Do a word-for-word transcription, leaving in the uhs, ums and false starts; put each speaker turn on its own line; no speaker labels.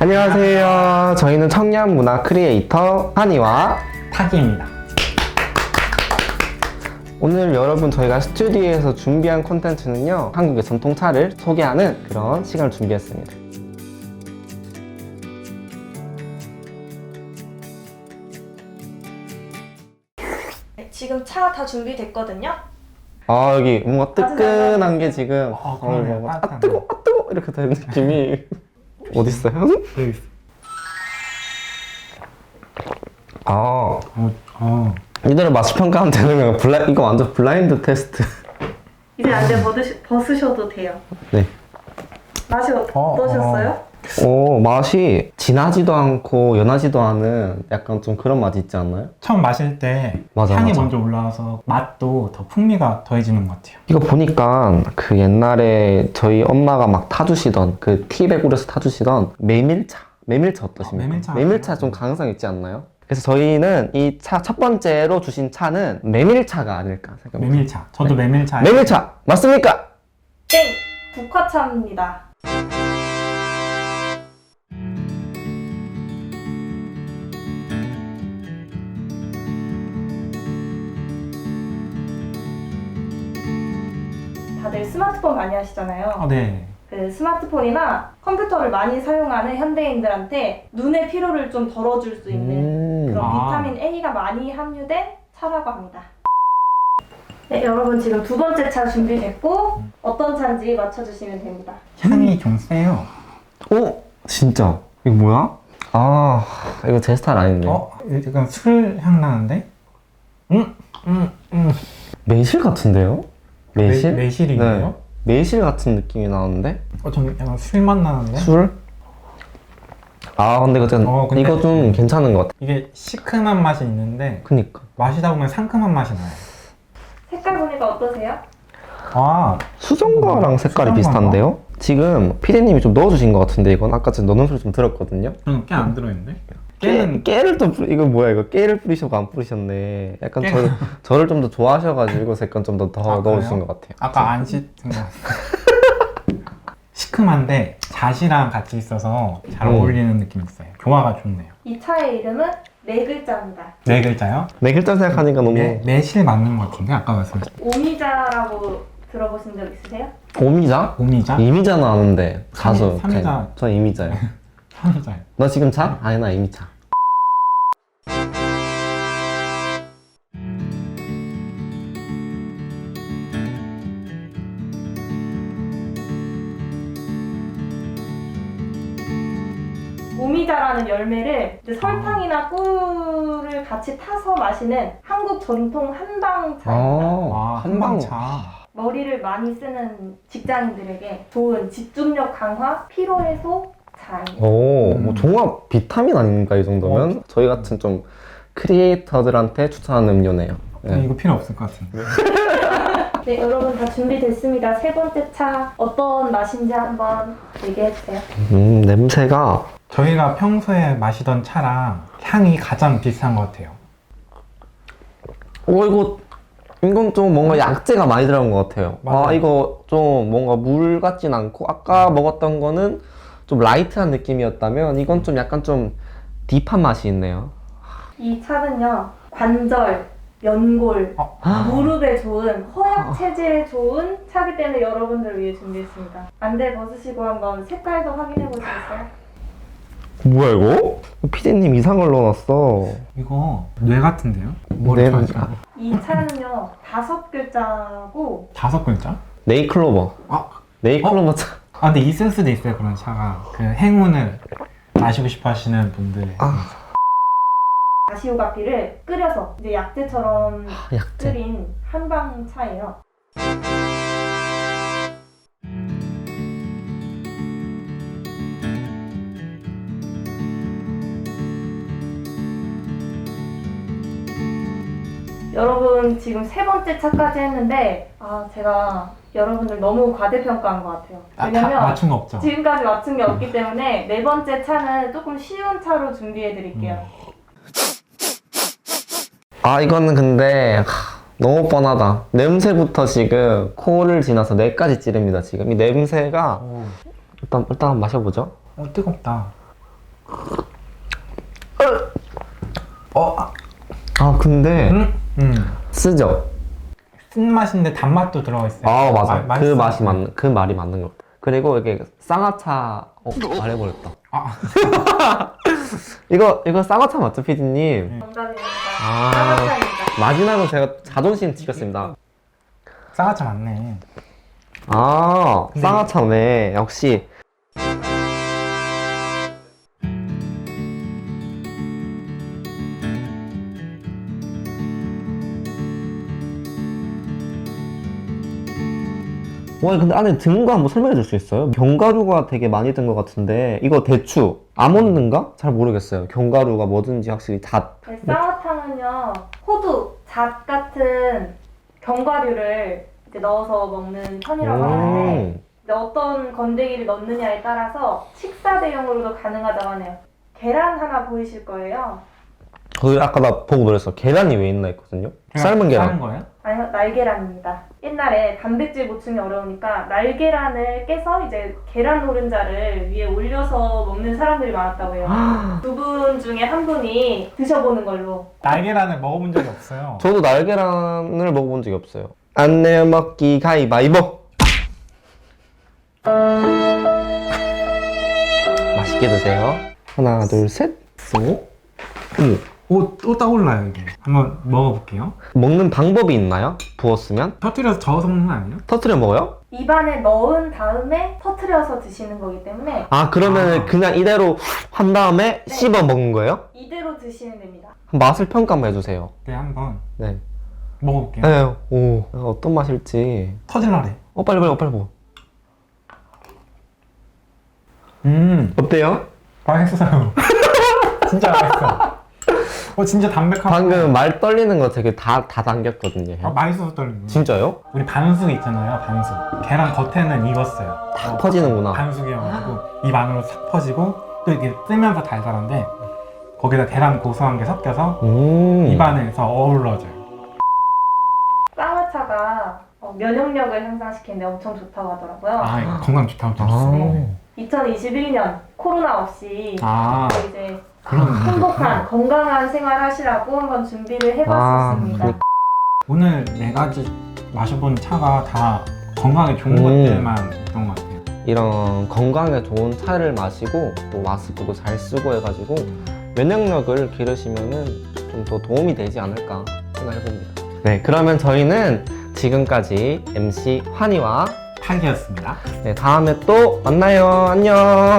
안녕하세요. 저희는 청년 문화 크리에이터 한이와
타기입니다.
오늘 여러분 저희가 스튜디오에서 준비한 콘텐츠는요, 한국의 전통차를 소개하는 그런 시간을 준비했습니다.
네, 지금 차 다 준비됐거든요.
아, 여기 뭔가 뜨끈한 게 지금
어,
어,
그러네요.
뭔가 아
따뜻하네.
뜨거, 아 뜨거 이렇게 되는 느낌이 어딨어요?
여기 있어.
아,
어, 어.
이대로 맛을 평가하면 되는 거예요. 블라, 이거 완전 블라인드 테스트.
이제 안대 벗으시, 벗으셔도 돼요.
네.
맛이 어, 어떠셨어요?
오, 맛이 진하지도 않고 연하지도 않은 약간 좀 그런 맛이 있지 않나요?
처음 마실 때
맞아,
향이
맞아.
먼저 올라와서 맛도 더 풍미가 더해지는 것 같아요.
이거 보니까 그 옛날에 저희 엄마가 막 타주시던 그 티백으로서 타주시던 메밀차. 메밀차 어떠십니까?
어, 메밀차
메밀차 좀 가능성 있지 않나요? 그래서 저희는 이 차 첫 번째로 주신 차는 메밀차가 아닐까 생각합니다.
메밀차. 저도
네.
메밀차.
메밀차 맞습니까?
땡! 국화차입니다. 다들 스마트폰 많이 하시잖아요.
어, 네.
그 스마트폰이나 컴퓨터를 많이 사용하는 현대인들한테 눈의 피로를 좀 덜어줄 수 있는
음.
그런
아.
비타민 A가 많이 함유된 차라고 합니다. 네, 여러분 지금 두 번째 차 준비됐고 어떤 차인지 맞춰주시면 됩니다.
향이 좀 세요.
오, 진짜 이거 뭐야? 아, 이거 제 스타일 아닌데.
어? 약간 술 향 나는데? 음, 음, 음.
매실 같은데요? 매실?
매, 매실이에요?
네. 매실 같은 느낌이 나는데?
어, 좀 약간 술 맛 나는데?
술? 아, 근데 이거, 좀-
어, 근데-
이거 좀 괜찮은 것 같아.
이게 시큼한 맛이 있는데
그니까.
마시다 보면 상큼한 맛이 나요.
색깔 보니까 어떠세요?
아,
수정과랑 색깔이
수정과인가?
비슷한데요? 지금 피디님이 좀 넣어주신 것 같은데 이건 아까 전에 넣는 소리 좀 들었거든요?
저는 깨 안 들어있는데?
깨,
깨는
깨를 또 뿌리, 이거 뭐야 이거 깨를 뿌리셔고 안 뿌리셨네. 약간
깨-
저를, 저를 좀 더 좋아하셔가지고 색깔 좀 더 더
아,
넣어주신
그래요?
것 같아요.
아까 안 씻은 거 시큼한데 잣이랑 같이 있어서 잘
음.
어울리는 느낌이 있어요. 조화가 좋네요.
이 차의 이름은 네 글자입니다.
네 글자요?
네 글자 생각하니까 너무
매, 매실 맞는 것 같은데 아까 말씀하신
오미자라고 들어보신 적 있으세요?
오미자?
오미자?
이미자는 아는데 가수.
삼- 삼이자.
그냥 저 이미자요.
삼이자요.
너 지금 차? 아니 나 이미 차.
오미자라는 열매를 이제 설탕이나 꿀을 같이 타서 마시는 한국 전통 한방차입니다.
와,
한방.
한방차.
머리를 많이 쓰는 직장인들에게 좋은 집중력 강화, 피로 해소 차입니다.
오,
음.
뭐 종합 비타민 아닙니까 이 정도면?
어.
저희 같은 좀 크리에이터들한테 추천하는 음료네요. 네.
이거 필요 없을 것 같은데.
네, 여러분 다 준비됐습니다. 세 번째 차 어떤 맛인지 한번 얘기해 주세요.
음, 냄새가
저희가 평소에 마시던 차랑 향이 가장 비슷한 것 같아요.
어 이거 이건 좀 뭔가 약재가 많이 들어간 것 같아요. 아
맞아요.
이거 좀 뭔가 물 같진 않고 아까 먹었던 거는 좀 라이트한 느낌이었다면 이건 좀 약간 좀 딥한 맛이 있네요.
이 차는요, 관절, 연골,
어?
무릎에 좋은, 허약 체질에 좋은 차기 때문에 여러분들을 위해 준비했습니다. 안대 벗으시고 한번 색깔도 확인해 보시겠어요?
뭐야 이거? 피디님 이상을 넣어놨어.
이거 뇌 같은데요? 뭘
네,
좋아하실까요?
이 차는요, 다섯 글자고
다섯 글자?
네이클로버.
아,
네이클로버 차.
아 근데 있을 수도 있어요 그런 차가. 그 행운을 마시고 싶어 하시는 분들.
아.
다시오가피를 끓여서 이제 약재처럼
아, 약재.
끓인 한방 차예요. 여러분 지금 세 번째 차까지 했는데 아 제가 여러분들 너무 과대평가한 것 같아요.
아, 다
왜냐면
맞춘 거 없죠?
지금까지 맞춘 게 없기 때문에 네 번째 차는 조금 쉬운 차로 준비해 드릴게요.
아 이거는 근데 하, 너무 뻔하다. 냄새부터 지금 코를 지나서 뇌까지 찌릅니다. 지금 이 냄새가
오,
일단 일단 한번 마셔보죠.
어, 뜨겁다. 어, 아,
아 근데
음, 음.
쓰죠?
쓴맛인데 단맛도 들어가 있어요.
아 맞아.
마-
그
맛있어요.
맛이 맞는 그 말이 맞는 것 같아. 그리고 이게 쌍화차 어 말해버렸다.
아,
이거 이거 쌍화차 맞죠, 피디님?
정답입니다.
아.
쌍화차입니다.
마지막은 제가 자존심 지켰습니다.
쌍화차 맞네.
아
근데
쌍화차네. 역시. 와 근데 안에 든 거 한번 설명해 줄 수 있어요? 견과류가 되게 많이 든 것 같은데 이거 대추, 아몬드인가? 잘 모르겠어요. 견과류가 뭐든지 확실히 다
네, 쌍화탕은요 호두, 잣 같은 견과류를 이제 넣어서 먹는 편이라고 하는데
음.
근데 어떤 건더기를 넣느냐에 따라서 식사 대용으로도 가능하다고 하네요. 계란 하나 보이실 거예요.
그 아까 나 보고 놀랐어. 계란이 왜 있나 했거든요. 삶은 계란.
삶은 거예요?
아니요, 날계란입니다. 옛날에 단백질 보충이 어려우니까 날계란을 깨서 이제 계란 노른자를 위에 올려서 먹는 사람들이 많았다고 해요. 두 분 중에 한 분이 드셔보는 걸로.
날계란을 먹어본 적이 없어요.
저도 날계란을 먹어본 적이 없어요. 안 내어 먹기 가위바위보. 맛있게 드세요. 하나, 둘, 셋. 오. 음.
오, 또 떠올라요 이게. 한번 먹어볼게요.
먹는 방법이 있나요? 부었으면
터뜨려서 저어서 먹는 거 아니에요?
터트려 먹어요?
입안에 넣은 다음에 터트려서 드시는 거기 때문에
아 그러면
아.
그냥 이대로 한 다음에
네.
씹어 먹는 거예요?
이대로 드시면 됩니다.
맛을 평가 한번 해주세요.
네, 한번
네.
먹어볼게요.
네. 오 어떤 맛일지.
터질라래.
어 빨리 빨리 빨리 먹어.
음,
어때요?
맛있어요. 진짜 맛있어. 어, 진짜 담백하고.
방금 말 떨리는 거 되게 다 다 당겼거든요.
아, 맛있어서 떨리는 거.
진짜요?
우리 반숙 있잖아요, 반숙. 계란 겉에는 익었어요.
다
어,
퍼지는구나.
반숙이어가지고 입 안으로 싹 퍼지고 또 이게 뜨면서 달달한데 거기다 계란 고소한 게 섞여서
음.
입 안에서 어우러져요.
쌍화차가 어, 면역력을 향상시키는데 엄청 좋다고 하더라고요.
아, 이거 건강 좋다고 들었어요.
네. 이천이십일 년 코로나 없이
아,
이제
그런
행복한 건강한 생활 하시라고 한번 준비를 해봤었습니다.
아,
오늘 네 가지 마셔본 차가 다 건강에 좋은
음.
것들만 있던 것 같아요.
이런 건강에 좋은 차를 마시고 또 마스크도 잘 쓰고 해가지고 면역력을 기르시면은 좀 더 도움이 되지 않을까 생각해봅니다. 네, 그러면 저희는 지금까지 엠씨 환희와
탁이었습니다.
네, 다음에 또 만나요. 안녕.